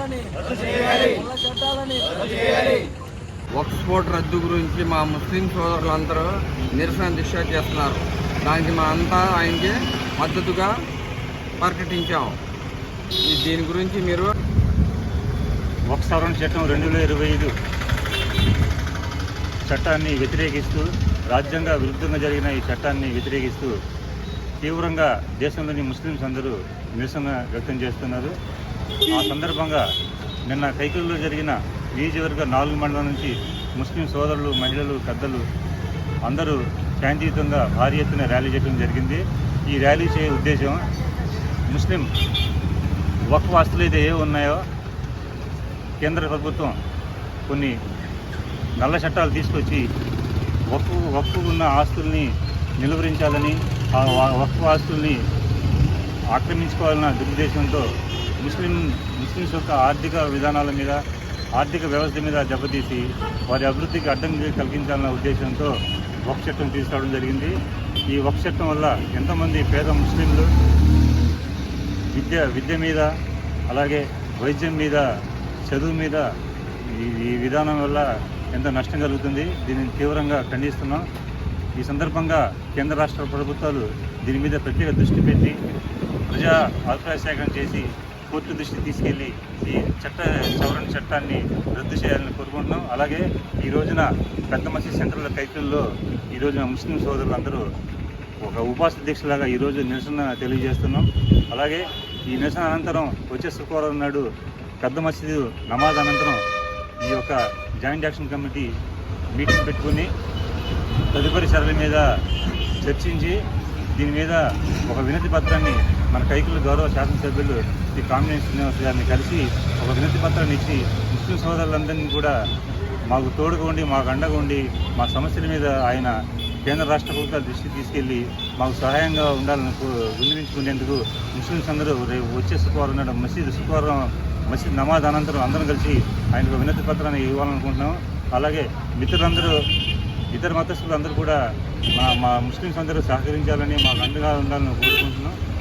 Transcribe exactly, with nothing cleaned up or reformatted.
వక్ఫ్ board రద్దు గురించి మా ముస్లిం సోదరులందరూ నిరసన దీక్ష చేస్తున్నారు. దానికి మా అంతా ఆయనకి మద్దతుగా ప్రకటించాము. దీని గురించి మీరు వక్ఫ్ సవరణ చట్టం రెండు వేల ఇరవై ఐదు చట్టాన్ని వ్యతిరేకిస్తూ, రాజ్యాంగ విరుద్ధంగా జరిగిన ఈ చట్టాన్ని వ్యతిరేకిస్తూ తీవ్రంగా దేశంలోని ముస్లిమ్స్ అందరూ నిరసన వ్యక్తం చేస్తున్నారు. ఆ సందర్భంగా నిన్న కైకూరులో జరిగిన నియోజకవర్గ నాలుగు మండలం నుంచి ముస్లిం సోదరులు, మహిళలు, పెద్దలు అందరూ శాంతియుతంగా భారీ ఎత్తున ర్యాలీ చేయడం జరిగింది. ఈ ర్యాలీ చేయ ఉద్దేశం ముస్లిం వక్ఫ్ ఆస్తులు అయితే ఏ ఉన్నాయో కేంద్ర ప్రభుత్వం కొన్ని నల్ల చట్టాలు తీసుకొచ్చి వక్ఫ్ వక్ఫ్ ఉన్న ఆస్తుల్ని నిలువరించాలని, ఆ వక్ఫ్ ఆస్తుల్ని ఆక్రమించుకోవాలన్న దురుద్దేశంతో ముస్లిం ముస్లిమ్స్ యొక్క ఆర్థిక విధానాల మీద, ఆర్థిక వ్యవస్థ మీద దెబ్బతీసి వారి అభివృద్ధికి అడ్డం కలిగించాలన్న ఉద్దేశంతో వక్ఫ్ చట్టం తీసుకురావడం జరిగింది. ఈ వక్ఫ్ చట్టం వల్ల ఎంతోమంది పేద ముస్లింలు విద్య విద్య మీద, అలాగే వైద్యం మీద, చదువు మీద ఈ విధానం వల్ల ఎంత నష్టం కలుగుతుంది. దీనిని తీవ్రంగా ఖండిస్తున్నాం. ఈ సందర్భంగా కేంద్ర రాష్ట్ర ప్రభుత్వాలు దీని మీద ప్రత్యేక దృష్టి పెట్టి ప్రజా అభిప్రాయ సేకరణ చేసి కోర్టు దృష్టి తీసుకెళ్లి ఈ చట్ట సవరణ చట్టాన్ని రద్దు చేయాలని కోరుకుంటున్నాం. అలాగే ఈ రోజున పెద్ద మసీద్ సెంట్రల్ కైకూల్లో ఈ రోజున ముస్లిం సోదరులందరూ ఒక ఉపవాస దీక్షలాగా ఈరోజు నిరసన తెలియజేస్తున్నాం. అలాగే ఈ నిరసన అనంతరం వచ్చే శుక్రవారం నాడు పెద్ద మసీదు నమాజ్ అనంతరం ఈ యొక్క జాయింట్ యాక్షన్ కమిటీ మీటింగ్ పెట్టుకుని తదుపరి సరళి మీద చర్చించి దీని మీద ఒక వినతి పత్రాన్ని మన కైకూలు గౌరవ శాసనసభ్యులు శ్రీ కామినేని శ్రీనివాస్ గారిని కలిసి ఒక వినతి పత్రాన్ని ఇచ్చి ముస్లిం సోదరులందరినీ కూడా మాకు తోడుగా ఉండి, మాకు అండగా ఉండి, మా సమస్యల మీద ఆయన కేంద్ర రాష్ట్ర ప్రభుత్వాల దృష్టికి తీసుకెళ్లి మాకు సహాయంగా ఉండాలని విన్నవించుకునేందుకు ముస్లింస్ అందరూ రేపు వచ్చే శుక్రవారం నాడు మసీదు శుక్రవారం మసీద్ నమాజ్ అనంతరం అందరం కలిసి ఆయనకు వినతి పత్రాన్ని ఇవ్వాలనుకుంటున్నాం. అలాగే మిత్రులందరూ, ఇతర మతస్థులు అందరూ కూడా మా మా ముస్లిమ్స్ అందరూ సహకరించాలని, మాకు అండగా ఉండాలని కోరుకుంటున్నాం.